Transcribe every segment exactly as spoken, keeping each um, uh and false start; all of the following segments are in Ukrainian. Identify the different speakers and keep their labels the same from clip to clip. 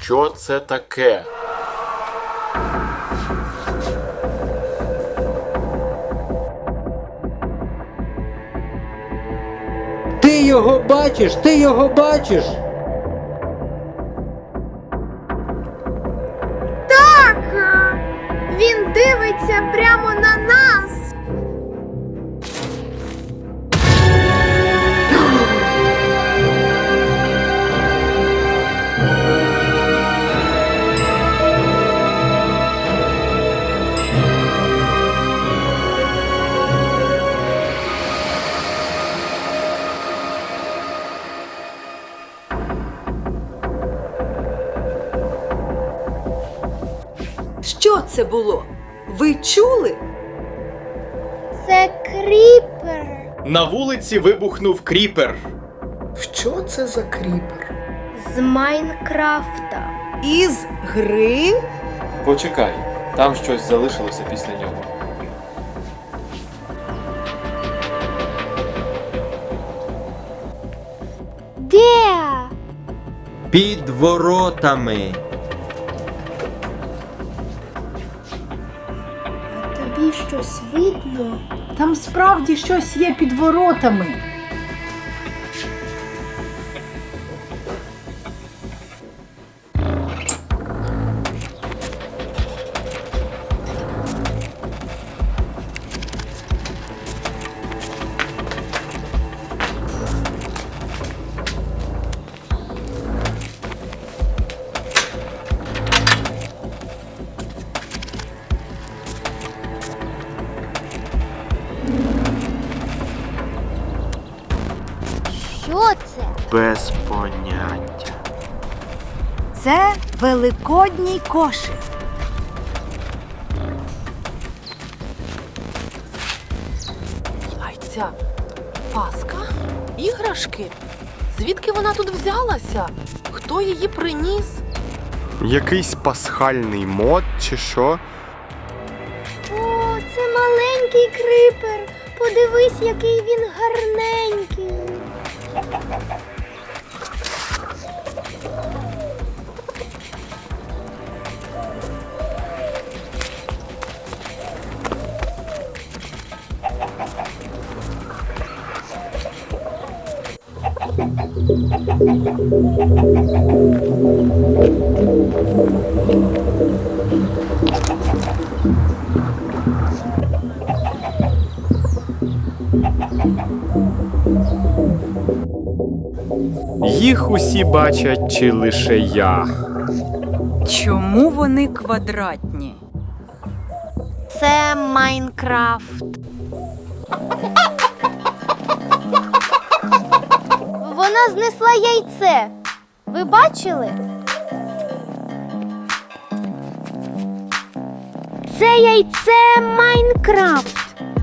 Speaker 1: Що це таке?
Speaker 2: Ти його бачиш, ти його бачиш.
Speaker 3: Так! Він дивиться прямо на нас!
Speaker 4: Що це було? Ви чули?
Speaker 3: Це кріпер!
Speaker 5: На вулиці вибухнув кріпер.
Speaker 6: Що це за кріпер?
Speaker 3: З Майнкрафта.
Speaker 4: Із гри?
Speaker 5: Почекай, там щось залишилося після нього.
Speaker 3: Де?
Speaker 2: Під воротами.
Speaker 3: Тобі щось видно?
Speaker 7: Там справді щось є під воротами.
Speaker 3: Що це?
Speaker 1: Без поняття.
Speaker 4: Це великодній кошик.
Speaker 8: Яйця, паска, іграшки. Звідки вона тут взялася? Хто її приніс?
Speaker 1: Якийсь пасхальний мод чи що?
Speaker 3: О, це маленький кріпер. Подивись, який він гарненький.
Speaker 5: Їх усі бачать, чи лише я?
Speaker 4: Чому вони квадратні?
Speaker 3: Це Майнкрафт. Вона знесла яйце. Ви бачили? Це яйце Майнкрафт.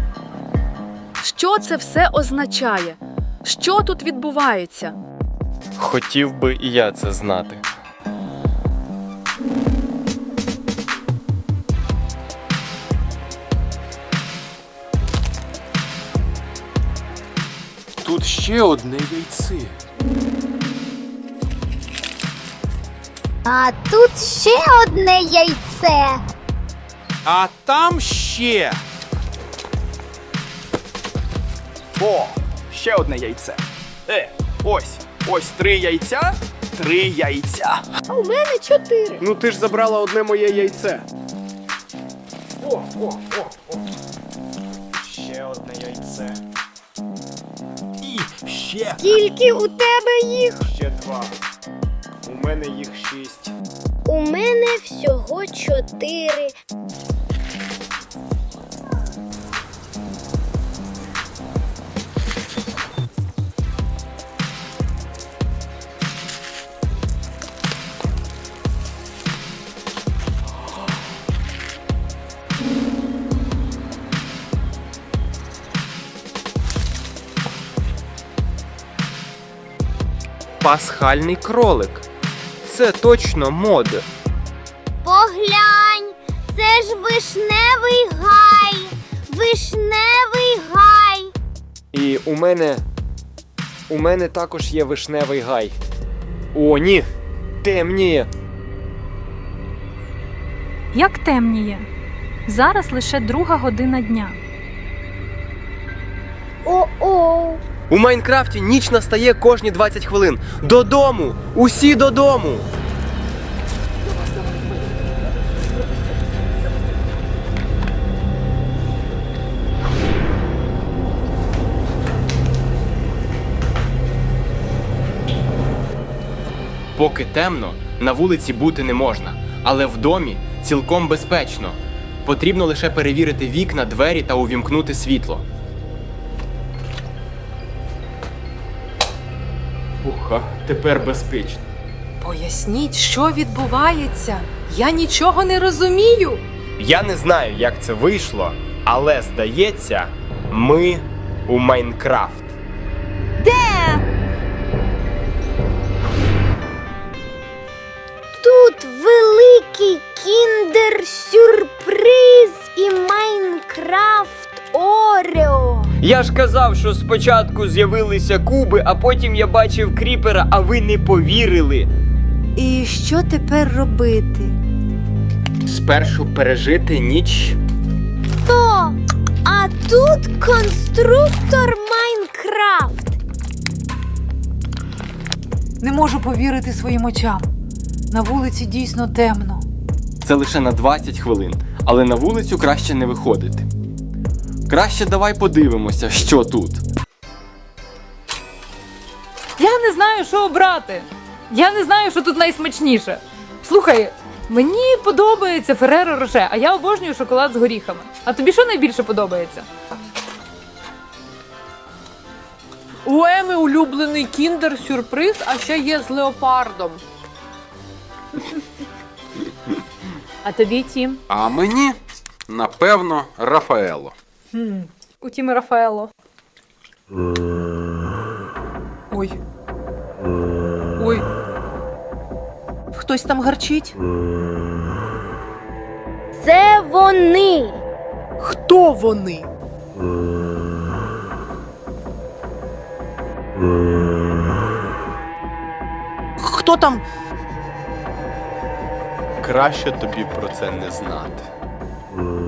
Speaker 8: Що це все означає? Що тут відбувається?
Speaker 5: Хотів би і я це знати.
Speaker 1: Тут ще одне яйце.
Speaker 3: А тут ще одне яйце.
Speaker 9: А там ще. О, ще одне яйце. Е, ось, ось три яйця, три яйця.
Speaker 3: А у мене чотири.
Speaker 5: Ну ти ж забрала одне моє яйце.
Speaker 9: О, о, о, о. Ще одне яйце. І ще,
Speaker 3: Скільки у тебе їх?
Speaker 9: ще два. У мене їх шість.
Speaker 3: У мене всього чотири.
Speaker 2: Пасхальний кролик. Це точно мод.
Speaker 3: Поглянь, це ж вишневий гай. Вишневий гай.
Speaker 2: І у мене. У мене також є вишневий гай. О, ні! Темніє!
Speaker 10: Як темніє. Зараз лише друга година дня.
Speaker 3: О-о.
Speaker 11: У Майнкрафті ніч настає кожні двадцять хвилин. Додому! Усі додому!
Speaker 5: Поки темно, на вулиці бути не можна, але в домі цілком безпечно. Потрібно лише перевірити вікна, двері та увімкнути світло. Уха, тепер безпечно.
Speaker 8: Поясніть, що відбувається? Я нічого не розумію.
Speaker 1: Я не знаю, як це вийшло, але здається, ми у Майнкрафт.
Speaker 3: Де? Тут великий кіндер-сюрприз і Майнкрафт Орео.
Speaker 11: Я ж казав, що спочатку з'явилися куби, а потім я бачив кріпера, а ви не повірили.
Speaker 4: І що тепер робити?
Speaker 1: Спершу пережити ніч.
Speaker 3: То, а тут конструктор Майнкрафт.
Speaker 7: Не можу повірити своїм очам. На вулиці дійсно темно.
Speaker 5: Це лише на двадцять хвилин, але на вулицю краще не виходити. Краще давай подивимося, що тут.
Speaker 12: Я не знаю, що обрати. Я не знаю, що тут найсмачніше. Слухай, мені подобається Ферреро Роше, а я обожнюю шоколад з горіхами. А тобі що найбільше подобається?
Speaker 8: У Еми улюблений кіндер-сюрприз, а ще є з леопардом.
Speaker 12: А тобі, Тім?
Speaker 13: А мені, напевно, Рафаело.
Speaker 12: У Тіми Рафаело.
Speaker 8: Ой. Ой. Хтось там гарчить?
Speaker 3: Це вони.
Speaker 8: Хто вони? Хто там?
Speaker 1: Краще тобі про це не знати.